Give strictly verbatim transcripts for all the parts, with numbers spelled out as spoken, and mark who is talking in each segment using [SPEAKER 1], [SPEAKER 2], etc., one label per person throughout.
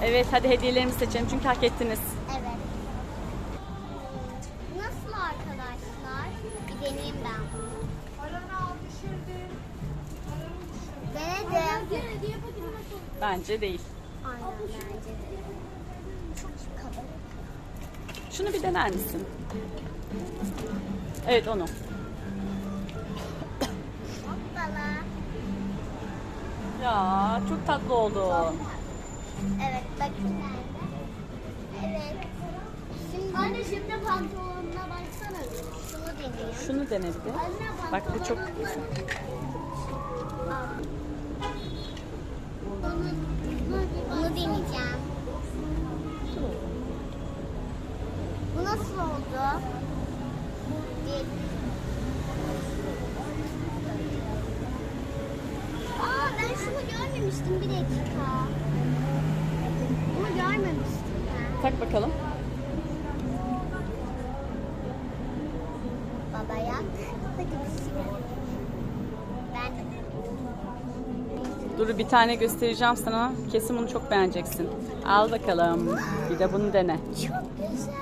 [SPEAKER 1] Evet, hadi hediyelerimizi seçelim çünkü hak ettiniz.
[SPEAKER 2] Evet. Nasıl arkadaşlar? Bir deneyeyim ben bunu. Denedim.
[SPEAKER 1] Bence değil.
[SPEAKER 2] Aynen bence de. Çok kalın.
[SPEAKER 1] Şunu bir dener misin? Evet, onu.
[SPEAKER 2] Hoppala.
[SPEAKER 1] Ya çok tatlı oldu.
[SPEAKER 2] Evet bakın nerede? Evet. Şimdi anne şimdi pantolonuna baksana. Şunu deneyeyim.
[SPEAKER 1] Şunu dene bir de.
[SPEAKER 2] Anne,
[SPEAKER 1] Bak bu çok
[SPEAKER 2] pantolonun-
[SPEAKER 1] güzel.
[SPEAKER 2] Aa. Bunu, bunu deneyeceğim. Bu nasıl oldu? Değil. Aa ben şunu görmemiştim bir dakika. Bunu görmemiştim ben.
[SPEAKER 1] Tak bakalım.
[SPEAKER 2] Baba yak. Hadi bismillah. Ben
[SPEAKER 1] Dur bir tane göstereceğim sana. Kesin bunu çok beğeneceksin. Al bakalım. Bir de bunu dene.
[SPEAKER 2] çok güzel.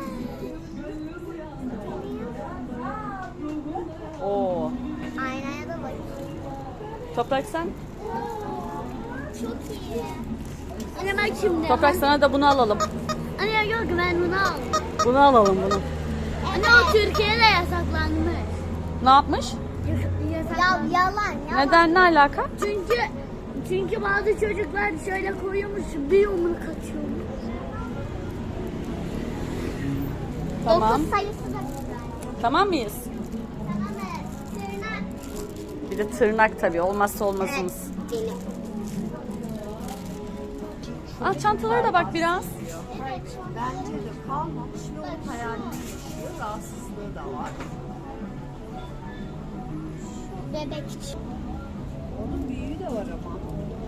[SPEAKER 1] Oo.
[SPEAKER 2] Aynaya da bak.
[SPEAKER 1] Toprak sen?
[SPEAKER 2] Çok iyi. Anne bak şimdi.
[SPEAKER 1] Toprak sana da bunu alalım.
[SPEAKER 2] Anne yok ben bunu aldım.
[SPEAKER 1] Bunu alalım bunu.
[SPEAKER 2] Anne o Türkiye'de yasaklanmış.
[SPEAKER 1] Ne yapmış?
[SPEAKER 2] Ya yalan yalan.
[SPEAKER 1] Neden, ne alaka?
[SPEAKER 2] Çünkü çünkü bazı çocuklar şöyle koyuyormuş bir yumruk atıyormuş.
[SPEAKER 1] Tamam.
[SPEAKER 2] Dokuz sayısı da güzel.
[SPEAKER 1] Tamam mıyız?
[SPEAKER 2] Tamam evet. Tırnak.
[SPEAKER 1] Bir de tırnak tabii. Olmazsa olmazımız.
[SPEAKER 2] Benim.
[SPEAKER 1] Al çantalara da bak biraz.
[SPEAKER 2] Evet.
[SPEAKER 3] Bence de kalmamış ve onun hayalini yaşıyor. Rahatsızlığı da var.
[SPEAKER 2] Bebek için.
[SPEAKER 3] Onun büyüğü de var ama.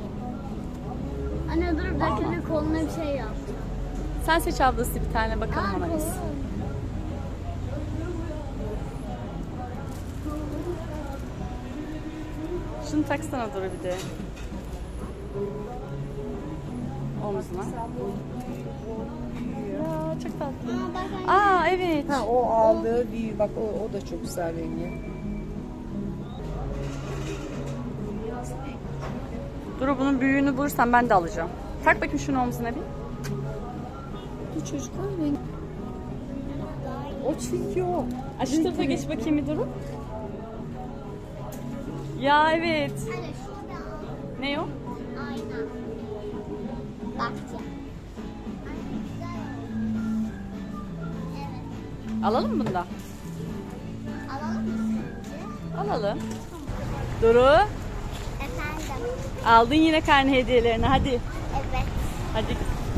[SPEAKER 2] Anne dur bir dakika bir koluna bir şey yap.
[SPEAKER 1] Sen seç ablası bir tane bakalım
[SPEAKER 2] Aa,
[SPEAKER 1] ona biz.
[SPEAKER 2] kolum.
[SPEAKER 1] Şunu taksana dur bir de. Omzuna. Ya çok tatlı.
[SPEAKER 2] Aa, bak anne.
[SPEAKER 1] Aa evet.
[SPEAKER 3] Ha o aldığı büyüğü bak o, o da çok güzel rengi.
[SPEAKER 1] Dur bunun büyüğünü bulursam ben de alacağım. Tak bakayım şunu omzuna bir.
[SPEAKER 3] Bu çocuklar rengi. O çünkü o.
[SPEAKER 1] Aa, şu tarafa geç bakayım bir durun. Ya evet.
[SPEAKER 2] Anne şurada al.
[SPEAKER 1] Ne o?
[SPEAKER 2] Ayna. Bak ya. Anne güzel olmuş. Evet.
[SPEAKER 1] Alalım mı bunu da?
[SPEAKER 2] Alalım mı sence?
[SPEAKER 1] Alalım. Duru.
[SPEAKER 2] Efendim.
[SPEAKER 1] Aldın yine karne hediyelerini hadi.
[SPEAKER 2] Evet.
[SPEAKER 1] Hadi.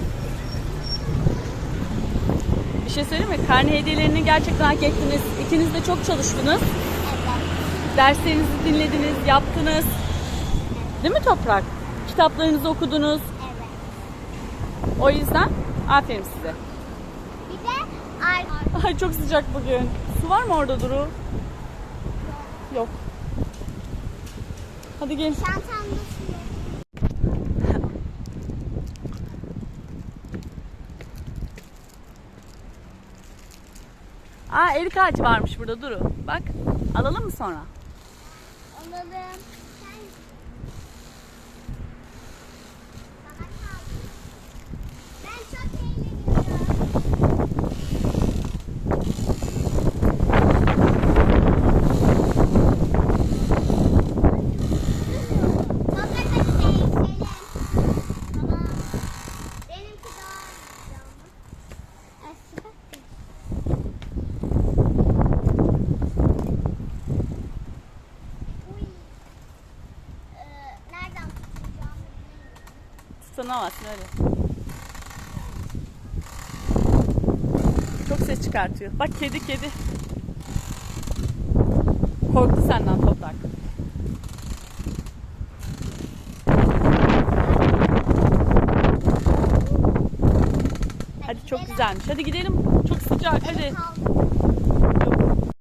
[SPEAKER 1] Bir şey söyleyeyim mi? Karne hediyelerini gerçekten hak ettiniz. İkiniz de çok çalıştınız.
[SPEAKER 2] Evet.
[SPEAKER 1] Derslerinizi dinlediniz, yaptınız. Değil mi Toprak? Kitaplarınızı okudunuz.
[SPEAKER 2] Evet.
[SPEAKER 1] O yüzden aferin size.
[SPEAKER 2] Bir de ar
[SPEAKER 1] Ay çok sıcak bugün. Su var mı orada Duru? Yok. Hadi gelin.
[SPEAKER 2] çantamda su.
[SPEAKER 1] Aa erik ağacı varmış burada Duru. Bak alalım mı sonra?
[SPEAKER 2] Alalım. Sen... Bana kaldı. Ben çok eğleniyorum. Toprak hadi değişelim. Tamam. Benimki daha güzel ama. Eski bak. Uy. Ee, nereden tutacağımı bilmiyorum.
[SPEAKER 1] Tutanamazsın öyle. Çok ses çıkartıyor. Bak kedi kedi. Korktu senden Toprak. Hadi çok güzelmiş. Hadi gidelim. Çok sıcak hadi.
[SPEAKER 2] Kaldı.